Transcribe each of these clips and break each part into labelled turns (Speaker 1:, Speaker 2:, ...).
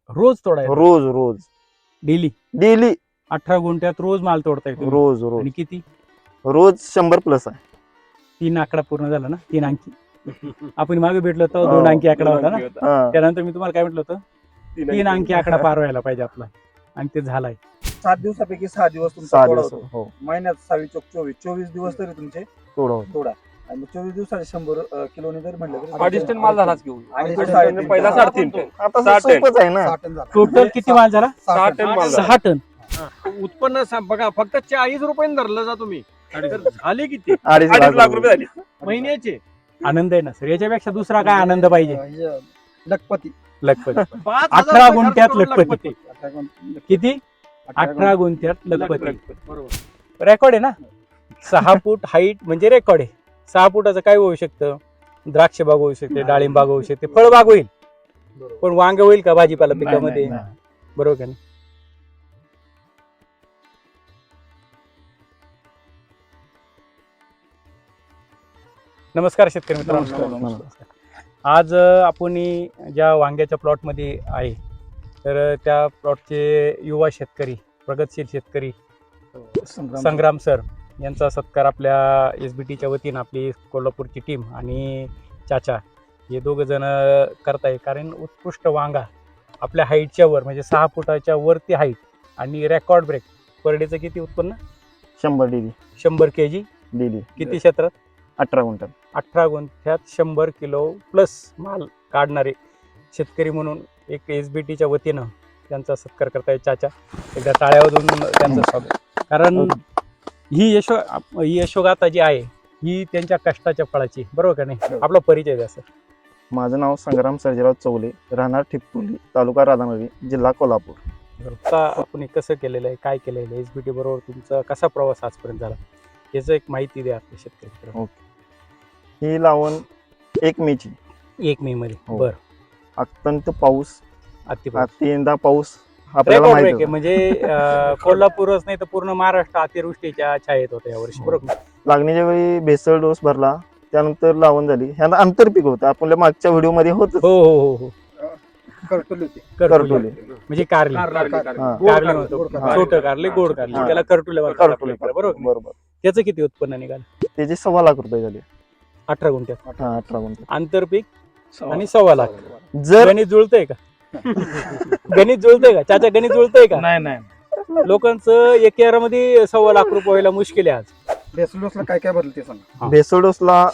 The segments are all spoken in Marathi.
Speaker 1: रोज तोडायला?
Speaker 2: रोज रोज
Speaker 1: डेली
Speaker 2: डेली
Speaker 1: 18 गुंठ्यात रोज माल तोडताय तुम्ही?
Speaker 2: रोज रोज
Speaker 1: आणि किती?
Speaker 2: रोज 100+ आहे.
Speaker 1: 3 आकडा पूर्ण झाला ना, 3 अंकी. आपण मागे भेटलो तर 2 अंकी आकडा होता ना.
Speaker 2: हा.
Speaker 1: त्यानंतर मी तुम्हाला काय म्हटलं होतं, 3 अंकी आकडा पार व्हायला पाहिजे आपला, आणि ते झालाय.
Speaker 3: 7 दिवसापैकी 6 दिवस तुमचा
Speaker 2: 6
Speaker 3: तोडा
Speaker 2: दिवस
Speaker 3: होतो.
Speaker 2: हो
Speaker 3: महिन्यात 6 चोक 24 दिवस तरी तुमचे
Speaker 2: तोडा होतो.
Speaker 3: तोडा. आणि मग 24 दिवसाचे 100 किलोने जरी म्हणलं तरी
Speaker 4: 2.5 टन माल झालाच घेऊन.
Speaker 3: अडीच
Speaker 4: अडीच
Speaker 3: साडेतीन
Speaker 4: टन, पहिला
Speaker 3: टन.
Speaker 4: 3.5 टन.
Speaker 2: आता
Speaker 4: 6 टन.
Speaker 2: सोपंच आहे ना.
Speaker 3: 6 टन झाला.
Speaker 1: टोटल किती माल झाला?
Speaker 4: 6 टन माल झाला.
Speaker 1: 6 टन.
Speaker 5: उत्पन्न बघा फक्त 40 रुपयांनी धरलं जा तुम्ही, तर झाले किती
Speaker 2: 2.5
Speaker 4: लाख रुपये झाले.
Speaker 5: महिन्याचे?
Speaker 1: आनंद आहे ना सर, याच्यापेक्षा दुसरा काय आनंद पाहिजे?
Speaker 3: लखपती
Speaker 1: लखपती.
Speaker 5: 5,000
Speaker 1: 18
Speaker 5: रुपये
Speaker 1: गुंठ्यात
Speaker 5: खर्च करून
Speaker 1: लखपती. किती? 18 गुंठ्यात लखपती.
Speaker 5: बरोबर.
Speaker 1: रेकॉर्ड आहे ना. 6 फूट हाईट म्हणजे रेकॉर्ड आहे. 6 फुटाचं काय होऊ शकतं? द्राक्ष बाग होऊ शकते, डाळिंब बाग होऊ शकते, फळ बाग होईल, पण वांग होईल का भाजीपाला पिकामध्ये? बरोबर का नाही? नमस्कार शेतकरी मित्रांनो.
Speaker 2: नमस्कार.
Speaker 1: आज आपण ज्या वांग्याच्या प्लॉटमध्ये आहे, तर त्या प्लॉटचे युवा शेतकरी, प्रगतशील शेतकरी संग्राम सर यांचा सत्कार आपल्या SBTच्या वतीनं आपली कोल्हापूरची टीम आणि चाचा हे दोघं जण करताय. कारण उत्कृष्ट वांगा आपल्या हाईटच्या वर, म्हणजे 6 फुटाच्या वरती हाईट, आणि रेकॉर्ड ब्रेक. पर डेचं किती उत्पन्न?
Speaker 2: 100 डेली
Speaker 1: 100 kg.
Speaker 2: डेली
Speaker 1: किती क्षेत्रात?
Speaker 2: 18 गुंठा.
Speaker 1: 18 गुंठ्यात 100 किलो प्लस माल काढणारे शेतकरी म्हणून एक SBTच्या वतीनं त्यांचा सत्कार करताय चाचा. एकदा टाळ्यावरून त्यांचं स्वागत. कारण ही यशोगाथा जी आहे ही त्यांच्या कष्टाच्या फळाची, बरोबर का नाही? आपला परिचय द्या सर.
Speaker 2: माझं नाव संग्राम सर्जेराव चौले, राहणार ठिकपुली, तालुका राधानगरी, जिल्हा कोल्हापूर.
Speaker 1: आता आपण कसं केलेलं आहे, काय केलेलं आहे, SBT बरोबर तुमचा कसा प्रवास आजपर्यंत झाला, याचं एक माहिती द्या आपल्या शेतकरी.
Speaker 2: ही लावण 1 मेची.
Speaker 1: 1 मे मध्ये.
Speaker 2: हो.
Speaker 1: बरं.
Speaker 2: अत्यंत पाऊस,
Speaker 1: अतिपाऊस.
Speaker 2: अतियंदा पाऊस आपल्याला
Speaker 1: रेकॉर्ड
Speaker 2: माहिती
Speaker 1: ब्रेक आहे. म्हणजे कोल्हापूरच नाही तर पूर्ण महाराष्ट्र अतिवृष्टीच्या छायेत होतं यावर्षी, बरोबर?
Speaker 2: लागणीच्या वेळी भेसळ डोस भरला, त्यानंतर लावण झाली. ह्यांना आंतरपीक होतं, आपल्या मागच्या व्हिडिओ मध्ये होत.
Speaker 1: हो हो हो हो.
Speaker 3: करटोली होती.
Speaker 1: करटुले म्हणजे कारले.
Speaker 2: हा.
Speaker 1: कारले म्हणतो, छोटं कारले, गोड कारले,
Speaker 2: हा.
Speaker 1: त्याला करटुले म्हणतात आपल्या इकडे, बरोबर?
Speaker 2: बरोबर.
Speaker 1: त्याचं किती उत्पन्न निघालं?
Speaker 2: त्याचे 1.25 लाख रुपये झाले.
Speaker 1: 18 गुंठ्यात.
Speaker 2: हा, 18 गुंठे.
Speaker 1: आंतरपीक आणि 1.25 लाख.
Speaker 2: जर
Speaker 1: गणित जुळतंय का? गणित जुळतंय का चाचा? गणित जुळतंय का?
Speaker 5: नाही
Speaker 1: लोकांचं एकरामध्ये 1.25 लाख रुपये व्हायला मुश्किल आहे आज.
Speaker 3: बेसलोसला काय काय बदल ते सांगा.
Speaker 2: भेसळ डोसला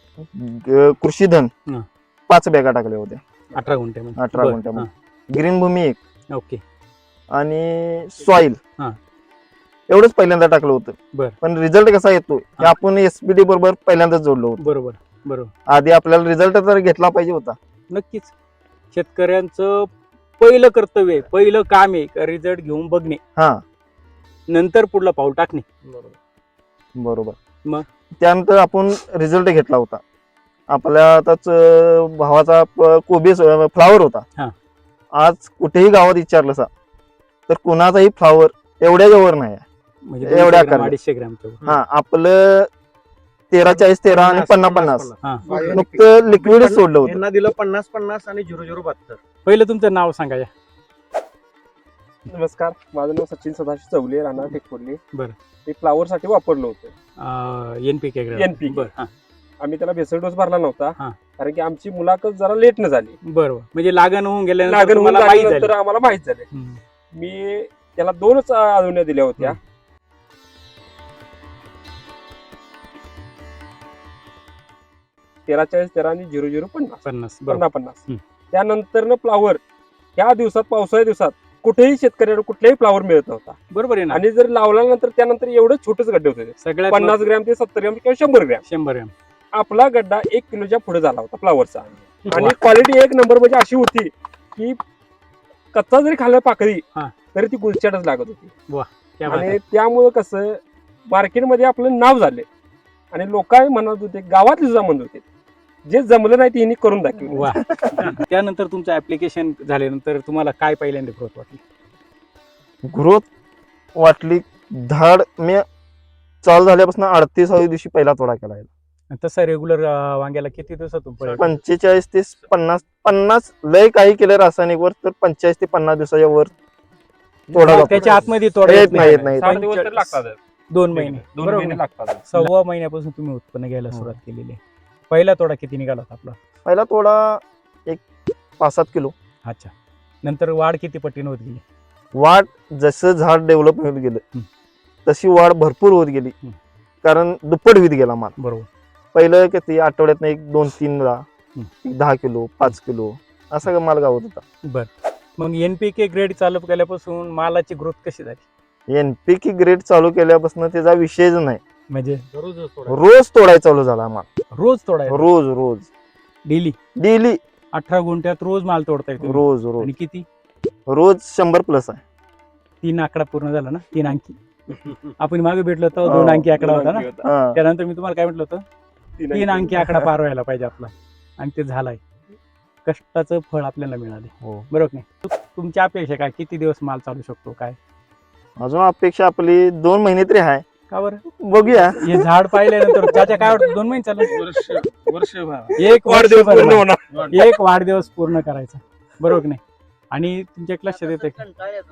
Speaker 2: कृषीधन
Speaker 1: हा.
Speaker 2: 5 बॅगा टाकल्या होत्या
Speaker 1: 18 गुंठ्यामध्ये.
Speaker 2: 18
Speaker 1: बरं.
Speaker 2: गुंठ्यामध्ये. ग्रीन भूमी 1
Speaker 1: हा. ओके.
Speaker 2: आणि सॉइल
Speaker 1: हा.
Speaker 2: एवढंच पहिल्यांदा टाकलं होतं.
Speaker 1: बरं.
Speaker 2: पण रिझल्ट कसा येतो हे
Speaker 1: हा.
Speaker 2: आपण SBT बरोबर पहिल्यांदाच जोडलो होतं.
Speaker 1: बरोबर बरोबर.
Speaker 2: आधी आपल्याला रिझल्ट तर घेतला पाहिजे होता.
Speaker 1: नक्कीच शेतकऱ्यांचं पहिलं कर्तव्य आहे, पहिलं काम आहे रिझल्ट घेऊन बघणे,
Speaker 2: हा,
Speaker 1: नंतर पुढलं पाऊल टाकणे.
Speaker 2: बरोबर.
Speaker 1: मग?
Speaker 2: त्यानंतर आपण रिझल्ट घेतला होता. आपल्या आताच भावाचा कोबी फ्लावर
Speaker 1: हा.
Speaker 2: होता. आज कुठेही गावात विचारलं सा तर कुणाचाही फ्लावर एवढ्या वर नाही आहे.
Speaker 1: म्हणजे
Speaker 2: एवढ्या
Speaker 1: 200 ग्रॅम,
Speaker 2: आकारात.
Speaker 1: 250 ग्रॅमचं.
Speaker 2: हा, आपलं 13-40-13 आणि 50-50
Speaker 5: हा.
Speaker 2: नुकतं लिक्विड सोडलं होतं.
Speaker 5: यांना दिलं 50-50 आणि 0-0-72.
Speaker 1: पहिलं तुमचं नाव सांगा या.
Speaker 4: नमस्कार, माझं नाव सचिन सदाशिव चौले, राहणार टेकपुर्ली.
Speaker 1: बरं.
Speaker 4: ते फ्लावर साठी वापरलं होतं.
Speaker 1: NPK.
Speaker 4: NPK.
Speaker 1: बरं. हा.
Speaker 4: आम्ही त्याला भेसळ डोस भरला नव्हता,
Speaker 1: हा.
Speaker 4: कारण की आमची मुलाखत जरा लेट न झाली.
Speaker 1: बरोबर. म्हणजे लागण होऊन गेल्यानंतर
Speaker 4: लागण होऊन
Speaker 1: तुम्हाला माहित
Speaker 4: झाल्यानंतर
Speaker 1: झालं.
Speaker 4: आम्हाला माहित झाले.
Speaker 1: हम्म.
Speaker 4: मी त्याला 2च आळवण्या दिल्या होत्या. 13-40-13 आणि 0-0-50.
Speaker 1: 50. बरोबर.
Speaker 4: 50-50.
Speaker 1: हम्म.
Speaker 4: त्यानंतर फ्लावर ह्या दिवसात, पावसाळ्या दिवसात कुठेही शेतकऱ्याला कुठलाही फ्लावर मिळत नव्हता.
Speaker 1: बरोबर आहे ना.
Speaker 4: आणि जर लावल्यानंतर त्यानंतर एवढं छोटेच गड्डे होते ते.
Speaker 1: सगळ्यात
Speaker 4: 50 ग्रॅम ते 70 ग्रॅम किंवा 100 ग्रॅम.
Speaker 1: 100 ग्रॅम.
Speaker 4: आपला गड्डा 1 किलोच्या पुढे झाला होता फ्लावरचा. आणि
Speaker 1: वा.
Speaker 4: क्वालिटी 1 नंबर म्हणजे अशी होती की कच्चा जरी खाल्ला पाकळी
Speaker 1: हा.
Speaker 4: तरी ती गुलचाटच लागत होती.
Speaker 1: क्या बात
Speaker 4: आणि
Speaker 1: आहे.
Speaker 4: त्यामुळं कसं मार्केटमध्ये आपलं नाव झाले आणि लोक म्हणत होते, गावातले सुद्धा म्हणत होते, जे जमलं नाही ते हिने करून दाखवलं.
Speaker 1: वा. त्यानंतर तुमचं ऍप्लिकेशन झाल्यानंतर तुम्हाला काय पहिल्यांदा ग्रोथ वाटली?
Speaker 2: ग्रोथ वाटली. धाड मी चालू झाल्यापासून 38व्या दिवशी पहिला तोडा केला.
Speaker 1: तसं रेग्युलर वांग्याला किती दिवसातून पडेल?
Speaker 2: 45 ते 50 लय काही केलं रासायनिक वर तर 45 ते 50 दिवसाच्या वर तोडा जातो.
Speaker 1: त्याच्या आतमध्ये तोडा
Speaker 2: येत नाही, येत नाही.
Speaker 4: 60 दिवस तरी लागतात.
Speaker 1: 2 महिने
Speaker 4: 2
Speaker 1: बरोबर
Speaker 4: महिने
Speaker 1: ना?
Speaker 4: लागतात.
Speaker 1: 6 महिन्यापासून तुम्ही उत्पन्न घ्यायला सुरुवात केलेली आहे. पहिला तोडा किती निघाला होता आपला?
Speaker 2: पहिला तोडा एक 5-7 किलो.
Speaker 1: अच्छा. नंतर वाढ किती पटीने होत गेली?
Speaker 2: वाढ जसं झाड डेव्हलप होत गेलं तशी वाढ भरपूर होत गेली. कारण दुप्पट होत गेला माल.
Speaker 1: बरोबर.
Speaker 2: पहिलं किती आठवड्यात 1-2-3 ला 10 किलो 5 किलो असा माल गावत होता.
Speaker 1: बर. मग NPK ग्रेड चालू केल्यापासून मालाची ग्रोथ कशी झाली?
Speaker 2: NPK ग्रेड चालू केल्यापासून त्याचा विषयच नाही.
Speaker 1: म्हणजे
Speaker 2: रोज तोडायला चालू झाला माल.
Speaker 1: रोज तोडायला?
Speaker 2: रोज डेली
Speaker 1: 18 गुंठ्यात रोज माल तोडताय तुम्ही?
Speaker 2: रोज
Speaker 1: आणि किती?
Speaker 2: रोज 100+ आहे.
Speaker 1: 3 आकडा पूर्ण झाला ना? 3 अंकी. आपण मागे भेटलो होतो 2 अंकी आकडा होता ना?
Speaker 2: हा.
Speaker 1: त्यानंतर मी तुम्हाला काय म्हटलं होतं? 3 अंकी आकडा पार व्हायला पाहिजे आपला, आणि ते झालाय. कष्टाचं फळ आपल्याला मिळाले.
Speaker 2: हो.
Speaker 1: बरोबर नाही? तुमची अपेक्षा काय, किती दिवस माल चालू शकतो काय?
Speaker 2: अजून अपेक्षा आपली 2 महिने तरी आहे.
Speaker 1: का बरं?
Speaker 2: बघूया.
Speaker 1: हे झाड पाहिल्यानंतर त्याच्या काय वाटतं? 2 महिने चालू? एक
Speaker 4: वाढदिवस पूर्ण
Speaker 1: वर्ष
Speaker 4: होणार.
Speaker 1: एक वाढदिवस पूर्ण करायचा. बरोबर नाही? आणि तुमच्या लक्षात येतं की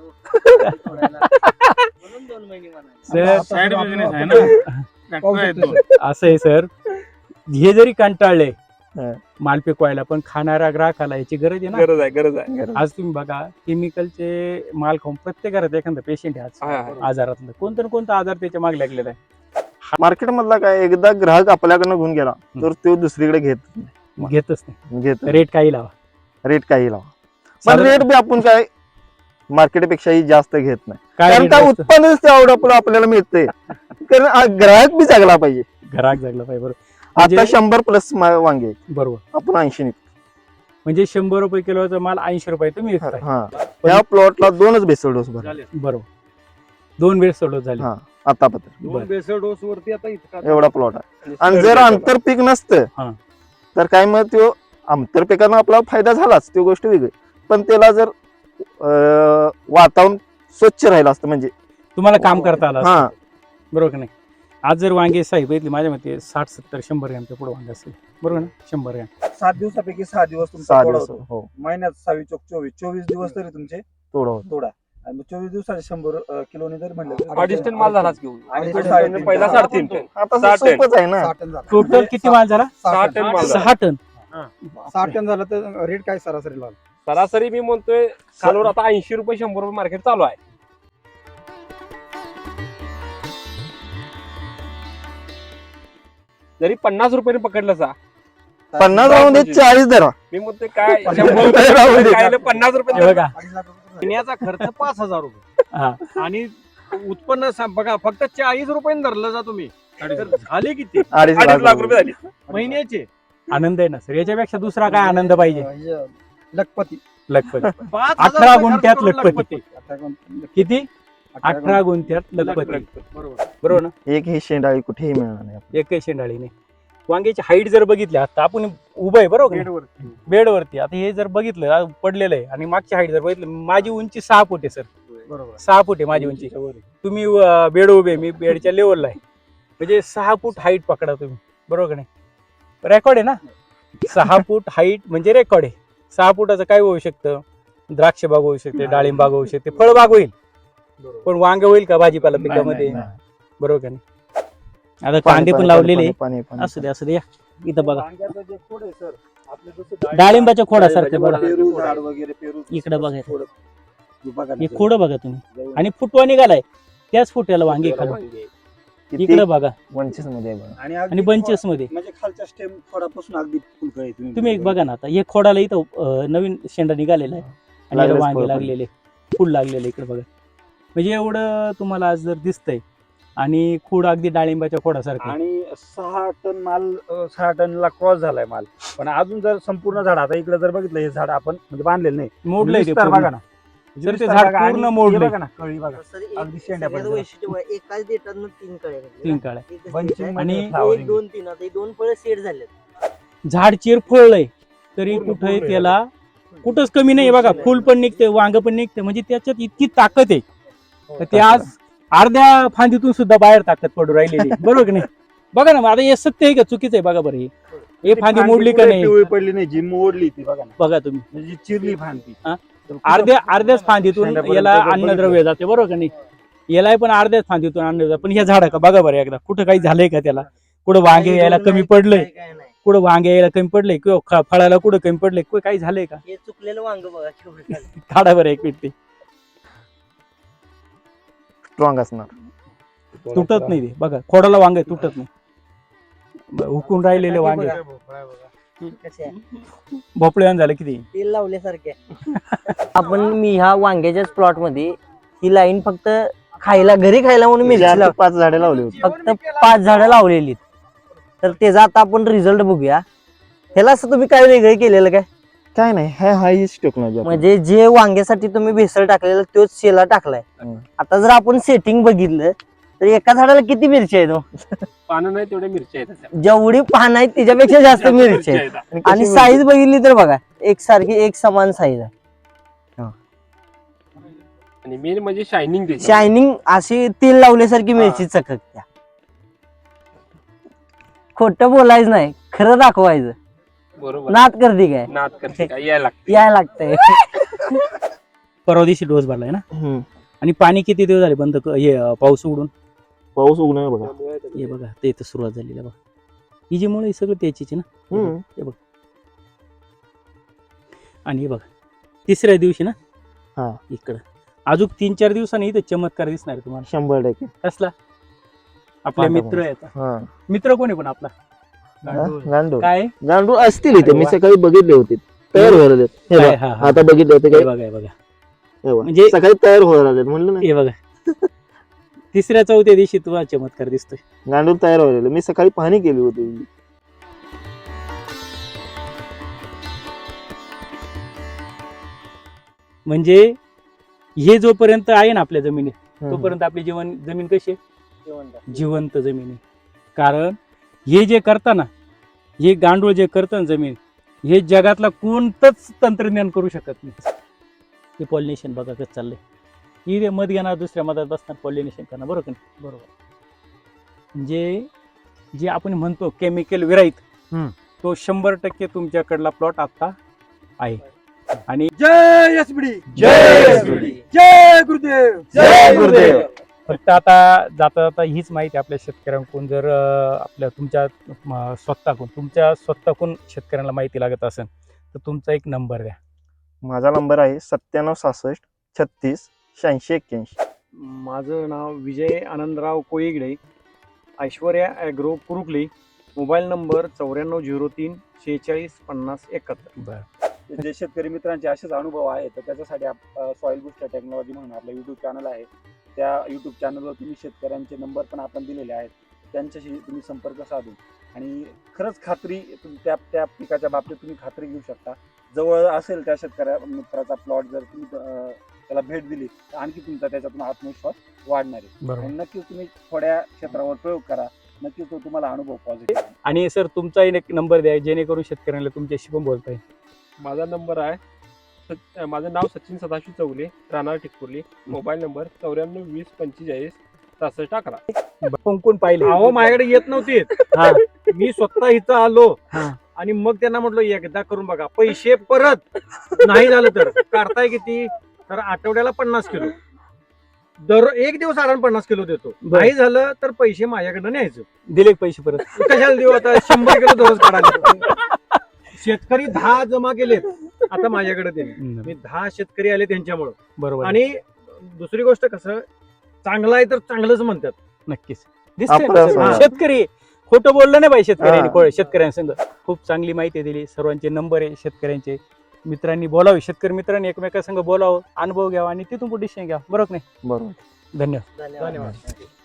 Speaker 1: असं आहे सर, हे जरी कंटाळले माल पिकवायला, पण खाणाऱ्या ग्राहकाला याची गरज आहे ना.
Speaker 4: गरज आहे.
Speaker 1: आज तुम्ही बघा, केमिकलचे माल खाऊन प्रत्येक घरात एखादा पेशंट आहे आज आजारातलं, कोणतं ना कोणता आजार त्याच्या मागे लागलेला आहे.
Speaker 2: मार्केट मधला काय एकदा ग्राहक आपल्याकडनं घेऊन गेला तर तो दुसरीकडे
Speaker 1: घेतच नाही.
Speaker 2: घेत
Speaker 1: रेट काही लावा,
Speaker 2: रेट काही लावा, पण रेट बी आपण काय मार्केट पेक्षाही जास्त घेत नाही.
Speaker 1: काय
Speaker 2: कारण
Speaker 1: rate
Speaker 2: काय
Speaker 1: असतं?
Speaker 2: उत्पन्न तेवढं आपल्याला मिळतंय. कारण ग्राहक बी जगला पाहिजे.
Speaker 1: घरात जगला पाहिजे. बरोबर.
Speaker 2: आता 100+ वांगे आहेत.
Speaker 1: बरोबर.
Speaker 2: आपण 80 निघतो.
Speaker 1: म्हणजे 100 रुपये किलोचा माल 80 रुपये तुम्ही विकताय.
Speaker 2: हा. त्या प्लॉटला 2च बेसल डोस भरले.
Speaker 1: बरोबर. 2 वेळ सोडत झाली.
Speaker 2: हा. आतापर्यंत
Speaker 5: 2 बेसल डोस वरती आता इतका
Speaker 2: एवढा प्लॉट आहे. आणि जर आंतरपीक
Speaker 1: हा.
Speaker 2: नसतं तर काय मग तो आंतरपिकानं आपला फायदा झालाच, ती गोष्ट वेगळी. पण त्याला जर वातावरण स्वच्छ राहिलं असतं म्हणजे
Speaker 1: तुम्हाला काम करता आलं असतं.
Speaker 2: हा.
Speaker 1: बरोबर का नाही? आज जर वांगे साहेब बघितली माझ्या मते 60-70-100 ग्रॅमच्या पुढे वांगे असेल. बरोबर ना? 100 ग्रॅम.
Speaker 3: 7 दिवसापैकी 6 दिवस तुमचा
Speaker 2: 6
Speaker 3: तोडा
Speaker 2: दिवस
Speaker 3: होतो.
Speaker 2: हो
Speaker 3: महिन्यात 6 चोक 24 दिवस तरी तुमचे
Speaker 2: तोडा होता.
Speaker 3: तोडा. आणि मग 24 दिवसाचे 100 किलोने जर म्हणलं
Speaker 4: 2.5 टन माल झालाच घेऊन.
Speaker 3: अडीच
Speaker 4: अडीच
Speaker 3: टन,
Speaker 4: टन, पहिला 3.5 टन.
Speaker 2: आता
Speaker 4: 6 टन.
Speaker 2: सोपंच आहे ना.
Speaker 3: 6 टन झाला.
Speaker 1: टोटल किती माल झाला?
Speaker 3: 6
Speaker 4: टन माल झाला.
Speaker 1: 6 टन.
Speaker 3: 6 टन झालं तर रेट काय सरासरी लागला?
Speaker 4: सरासरी मी म्हणतोय खालवर आता 80 रुपये 100 रुपये मार्केट चालू आहे. जरी 50 रुपये पकडलं सा
Speaker 2: 50 राहून दे, 40 धरा.
Speaker 4: मी म्हणतोय काय 100 रुपये
Speaker 2: राहू दे.
Speaker 4: खायला 50
Speaker 1: हे
Speaker 4: रुपये
Speaker 1: बघा.
Speaker 3: 2.5 लाख रुपये झाले.
Speaker 5: महिन्याचा खर्च 5,000 रुपये
Speaker 1: हा.
Speaker 5: आणि उत्पन्न बघा फक्त 40 रुपये धरलं जा तुम्ही, तर झाले किती
Speaker 2: 2.5
Speaker 4: लाख रुपये झाली.
Speaker 5: महिन्याचे?
Speaker 1: आनंद आहे ना सर. याच्यापेक्षा दुसरा काय आनंद पाहिजे?
Speaker 3: म्हणजे लखपती.
Speaker 1: लखपती.
Speaker 5: 5,000
Speaker 1: 18
Speaker 5: रुपये
Speaker 1: गुंठ्यात
Speaker 5: खर्च करून
Speaker 1: लखपती. किती? 18
Speaker 3: 18
Speaker 1: गुंठ्यात लखपती.
Speaker 5: बरोबर.
Speaker 1: बरोबर ना?
Speaker 2: एक ही शेंडाळी कुठेही मिळणार नाही.
Speaker 1: एकही शेंडाळी नाही. वांग्याची हाईट जर बघितली, आता आपण उभं आहे बरोबर का? बेडवरती. आता हे जर बघितलं पडलेलं आहे, आणि मागची हाईट जर बघितलं, माझी उंची 6 फूट आहे सर.
Speaker 3: बरोबर.
Speaker 1: 6 फूट आहे माझी उंची. तुम्ही बेड उभे, मी बेडच्या लेवलला आहे. म्हणजे 6 फूट हाईट पकडा तुम्ही. बरोबर का नाही? रेकॉर्ड आहे ना? 6 फूट हाईट म्हणजे रेकॉर्ड आहे. 6 फुटाचं काय होऊ शकतं? द्राक्ष बाग होऊ शकते, डाळिंब बाग होऊ शकते, फळबाग होईल. पण वांग होईल का भाजीपाला पिकामध्ये? बरोबर का नाही? आता कांदे पण लावलेले.
Speaker 2: पाणी
Speaker 1: असू दे असू दे. या इथं बघा,
Speaker 3: वांग्याचं जे खोड आहे सर, आपले जसे
Speaker 1: डाळिंबाच्या खोडासारखे बघा.
Speaker 3: पेरू झाड वगैरे, पेरू
Speaker 1: इकडे बघा.
Speaker 3: खोड. हे बघा ना
Speaker 1: हे
Speaker 3: सर.
Speaker 1: खोड बघा तुम्ही, आणि फुटवा निघालाय त्याच फुट्याला वांगे खाली. इकडे बघा.
Speaker 2: 25 मध्ये आहे बघा.
Speaker 3: आणि
Speaker 1: आणि बंचेस मध्ये
Speaker 3: म्हणजे खालच्या स्टेम खोडापासून अगदी फुलकं आहे.
Speaker 1: तुम्ही एक बघा ना. आता हे खोडाला इथं नवीन शेंडा निघालेला आहे, आणि याला
Speaker 2: लागलेच
Speaker 1: वांगे
Speaker 2: फळ पण.
Speaker 1: लागलेले, फुल लागलेले. इकडे बघा. म्हणजे एवढं तुम्हाला आज जर दिसतंय, आणि खोड अगदी डाळिंबाच्या खोडासारखं.
Speaker 3: आणि 6 टन माल 6 टनला क्रॉस झालाय माल. पण अजून जर संपूर्ण झाड, आता इकडे जर बघितलं, हे झाड आपण म्हणजे बांधलेलं नाही,
Speaker 1: मोडलंय ते
Speaker 3: विस्तार
Speaker 1: पूर्ण.
Speaker 3: बघा ना.
Speaker 1: तर ते
Speaker 3: विस्तार
Speaker 1: झाड
Speaker 3: बघा, आणि
Speaker 1: पूर्ण
Speaker 3: हे
Speaker 1: मोडलंय.
Speaker 3: बघा ना, कळी बघा. अगदी शेंड्यापर्यंत.
Speaker 6: वैशिष्ट्य एकाच देटातनं 3 कळ्या निघाल्या.
Speaker 1: 3 काळ्या.
Speaker 6: एकच
Speaker 3: Bunching
Speaker 6: देठ आहे.
Speaker 1: आणि
Speaker 3: मध्ये flowering.
Speaker 6: 1, 2, 3 आता हे 2 फळं सेट झालेत.
Speaker 1: झाड चिरफळलंय तरी
Speaker 3: पूर्ण
Speaker 1: कुठे
Speaker 3: पूर्ण
Speaker 1: त्याला कुठंच कमी नाही. बघा, फुल पण निघते, वांग पण निघते. म्हणजे त्याच्यात इतकी ताकद आहे, तर ते आज अर्ध्या फांदीतून सुद्धा बाहेर ताकद पडू राहिलेली. बरोबर की नाही? बघा ना, आता हे सत्य आहे का चुकीचं आहे बघा बरं हे फांदी मोडली का नाही
Speaker 3: पिवळी पडली नाही, जी मोडली ती बघा ना,
Speaker 1: बघा तुम्ही.
Speaker 3: म्हणजे चिरली फांदी.
Speaker 1: हा?
Speaker 3: तर कुठं
Speaker 1: अर्ध्याच फांदीतून
Speaker 3: शेंड्यापर्यंत
Speaker 1: याला
Speaker 3: जर
Speaker 1: अन्नद्रव्य जाते बरोबर का नाही. याला पण अर्ध्याच फांदीतून अन्न जातं. पण ह्या झाडा का बघा बरं एकदा कुठं काही झालंय का त्याला, कुठं वांगे यायला कमी पडलंय,
Speaker 6: काय नाही.
Speaker 1: कुठं वांगे यायला कमी पडलंय किंवा फळाला कुठं कमी पडलंय, काही झालंय का.
Speaker 6: हे चुकलेलं वांग बघा केवढं झालं.
Speaker 1: काढा बरं एक मिनिट.
Speaker 2: स्ट्रॉंग असणार.
Speaker 1: तुटत नाही ते बघा, खोडाला वांग आहे, तुटत नाही. हुकून राहिलेले वांगे
Speaker 6: कसे आहे?
Speaker 1: भोपळे झालं किती.
Speaker 6: तेल लावल्यासारखे आपण मी ह्या वांग्याच्याच प्लॉट मध्ये ही लाईन फक्त खायला, घरी खायला म्हणून मिरची
Speaker 2: 4 ते
Speaker 6: लाव
Speaker 2: 5 झाडे लावली होती.
Speaker 6: फक्त 5 झाडं लावलेली. तर त्याचा आता आपण रिझल्ट बघूया. ह्याला असं तुम्ही काय वेगळं केलेलं काय?
Speaker 2: काय नाही, हीच टेक्नॉलॉजी.
Speaker 6: म्हणजे जे वांग्यासाठी तुम्ही भेसळ टाकलेलं तोच शेला टाकलाय. आता जर आपण सेटिंग बघितलं तर एका झाडाला किती मिरची आहे तो?
Speaker 4: पानं नाही तेवढे मिरच्या आहेत त्याच्यात.
Speaker 6: जेवढी पान आहेत त्याच्यापेक्षा जास्त मिरची आहे. आणि साईज बघितली तर बघा एकसारखी, एक समान साईज आहे.
Speaker 4: आणि मेन म्हणजे शायनिंग त्याची.
Speaker 6: शायनिंग अशी तेल लावल्यासारखी मिरची चककत्या. खोटं बोलायचं नाही, खरं दाखवायचं.
Speaker 4: बरोबर.
Speaker 6: नाद करते काय?
Speaker 4: नाद करते काय यायला लागते.
Speaker 6: याय लागतंय.
Speaker 1: परवा दिवशी डोस भरलाय ना.
Speaker 2: हम्म.
Speaker 1: आणि पाणी किती दिवस झाले बंद हे पाऊस उघडून.
Speaker 2: पाऊस उगण आहे बघा.
Speaker 1: हे बघा ते इथं सुरुवात झालेली आहे बघा. ही जी मुळे सगळं त्याचीच आहे ना.
Speaker 2: हम्म.
Speaker 1: हे बघ. आणि हे बघा तिसऱ्या दिवशी ना.
Speaker 2: हा.
Speaker 1: इकडं अजून 3-4 दिवसांनी इथं चमत्कार दिसणार आहे तुम्हाला.
Speaker 2: 100%.
Speaker 1: कसला? आपले
Speaker 2: पांढरा
Speaker 1: मित्र आहेत.
Speaker 2: हा.
Speaker 1: मित्र कोणी पण आपला
Speaker 2: गांडूळ
Speaker 1: काय
Speaker 2: गांडूळ असतील इथे. मी
Speaker 1: वा.
Speaker 2: सकाळी बघितले होते तयार व्हायला लागलेत. हे
Speaker 1: काय?
Speaker 2: बघा,
Speaker 1: हा, हा.
Speaker 2: आता बघितले होते
Speaker 1: हे
Speaker 2: काय.
Speaker 1: बघा हे बघा
Speaker 2: हे बघा.
Speaker 1: म्हणजे-
Speaker 2: सकाळी तयार व्हायला लागलेत म्हणलं ना.
Speaker 1: हे बघा 3ऱ्या-4थ्या दिवशी तुम्हाला चमत्कार दिसतोय.
Speaker 2: गांडूळ तयार व्हायला लागले. मी सकाळी पाहणी केली होती.
Speaker 1: म्हणजे हे जोपर्यंत आहे ना आपल्या जमिनीत तोपर्यंत आपली जमीन कशी आहे? जिवंत जमीन आहे. कारण हे जे करता ना, हे गांडूळ जे करतं ना जमीन, हे जगातला कोणतंच तंत्रज्ञान करू शकत नाही. हे पॉलिनेशन बघा कसं चाललंय. ही मध घेणार, दुसऱ्या मधात बसणार, पॉलिनेशन करणार. बरोबर का नाही? बरोबर. म्हणजे जे आपण म्हणतो केमिकल विरहित, तो 100% तुमच्याकडला प्लॉट आता आहे. आणि
Speaker 3: जय एसबीडी,
Speaker 2: जय एसबीडी,
Speaker 3: जय गुरुदेव,
Speaker 2: जय गुरुदेव.
Speaker 1: फक्त आता जाता जाता हीच माहिती आपल्या शेतकऱ्यांकडून जर आपल्या तुमच्या स्वतःकडून शेतकऱ्यांना माहिती लागत असेल तर तुमचा एक नंबर द्या.
Speaker 2: माझा नंबर आहे 9766 36 86 81.
Speaker 5: माझं नाव Vijay Anandrao Koligade, Aishwarya Agro Kurukali. Mobile number 9403 46 50 71.
Speaker 3: जे शेतकरी मित्रांचे असेच अनुभव आहेत तर त्याच्यासाठी सॉइल बुस्टर टेक्नॉलॉजी म्हणून आपलं युट्यूब चॅनल आहे. त्या युट्यूब चॅनलवर तुम्ही शेतकऱ्यांचे नंबर पण आपण दिलेले आहेत. त्यांच्याशी तुम्ही संपर्क साधून आणि खरंच खात्री त्या पिकाच्या बाबतीत तुम्ही खात्री घेऊ शकता. जवळ असेल त्या शेतकऱ्या मित्राचा प्लॉट जर तुम्ही त्याला भेट दिली तर आणखी तुमचा त्याच्यातून आत्मविश्वास वाढणार आहे. आणि नक्कीच तुम्ही थोड्या क्षेत्रावर प्रयोग करा, नक्कीच तो तुम्हाला अनुभव पॉझिटिव्ह.
Speaker 1: आणि सर तुमचाही एक नंबर द्या जेणेकरून शेतकऱ्यांना तुमच्याशी पण बोलता येईल.
Speaker 4: माझा नंबर आहे माझं नाव सचिन सदाशिव चौगले, राहणार टिकपुर्ली. Mobile number 94 20 45 66 11.
Speaker 1: कोण पाहिले?
Speaker 5: अहो माझ्याकडे येत नव्हते.
Speaker 1: हा.
Speaker 5: मी स्वतः इथं आलो
Speaker 1: हा.
Speaker 5: आणि मग त्यांना म्हटलं एकदा करून बघा, पैसे परत नाही झालं तर काढताय किती, तर आठवड्याला 50 किलो, दर एक दिवस आराम 50 किलो देतो. नाही झालं तर पैसे माझ्याकडनं न्यायचं.
Speaker 1: दिले पैसे परत?
Speaker 5: कशाला देऊ आता, 100 किलो दररोज काढायला. शेतकरी 10 जमा केलेत, आता माझ्याकडे दिले. मी 10 शेतकरी आले त्यांच्यामुळं.
Speaker 1: बरोबर.
Speaker 5: आणि दुसरी गोष्ट कसं, चांगलं आहे तर चांगलंच म्हणतात.
Speaker 1: नक्कीच दिसतंय
Speaker 2: आपलं
Speaker 1: ना
Speaker 2: असं
Speaker 1: सर.
Speaker 2: आहे.
Speaker 1: शेतकरी खोटं बोललं नाही पाहिजे.
Speaker 2: हा.
Speaker 1: शेतकऱ्यांसंग खूप चांगली माहिती दिली. सर्वांचे नंबर आहे शेतकऱ्यांचे. मित्रांनी बोलावे, शेतकरी मित्रांनी एकमेकांसंग बोलावं, अनुभव घ्यावा आणि तिथून डिसिजन घ्यावा. बरोबर नाही?
Speaker 2: बरोबर.
Speaker 1: धन्यवाद.
Speaker 6: धन्यवाद.
Speaker 5: धन्यवाद.